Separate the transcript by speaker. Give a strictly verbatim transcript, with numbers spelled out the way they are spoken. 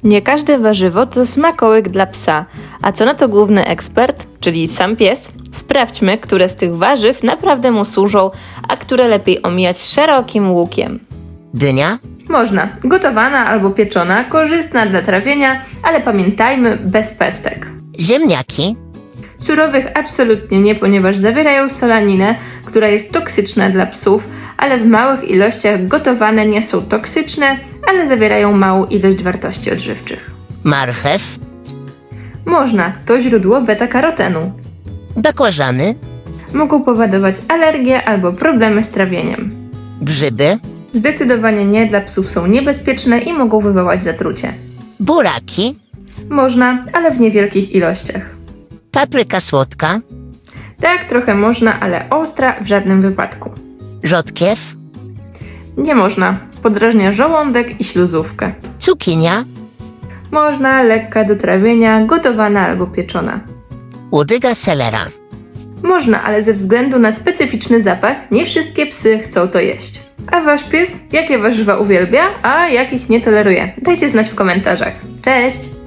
Speaker 1: Nie każde warzywo to smakołyk dla psa. A co na to główny ekspert, czyli sam pies? Sprawdźmy, które z tych warzyw naprawdę mu służą, a które lepiej omijać szerokim łukiem.
Speaker 2: Dynia,
Speaker 3: Można. Gotowana albo pieczona, korzystna dla trawienia, ale pamiętajmy, bez pestek.
Speaker 2: ziemniaki,
Speaker 3: Surowych absolutnie nie, ponieważ zawierają solaninę, która jest toksyczna dla psów, ale w małych ilościach gotowane nie są toksyczne, ale zawierają małą ilość wartości odżywczych.
Speaker 2: marchew,
Speaker 3: Można. To źródło beta-karotenu.
Speaker 2: bakłażany,
Speaker 3: Mogą powodować alergie albo problemy z trawieniem.
Speaker 2: grzyby,
Speaker 3: Zdecydowanie nie, dla psów są niebezpieczne i mogą wywołać zatrucie.
Speaker 2: buraki,
Speaker 3: Można, ale w niewielkich ilościach.
Speaker 2: papryka słodka,
Speaker 3: Tak, trochę można, ale ostra w żadnym wypadku.
Speaker 2: rzodkiew,
Speaker 3: Nie można. Podrażnia żołądek i śluzówkę.
Speaker 2: cukinia,
Speaker 3: Można, lekka do trawienia, gotowana albo pieczona.
Speaker 2: łodyga selera.
Speaker 3: Można, ale ze względu na specyficzny zapach nie wszystkie psy chcą to jeść. A wasz pies jakie warzywa uwielbia, a jakich nie toleruje? Dajcie znać w komentarzach. Cześć!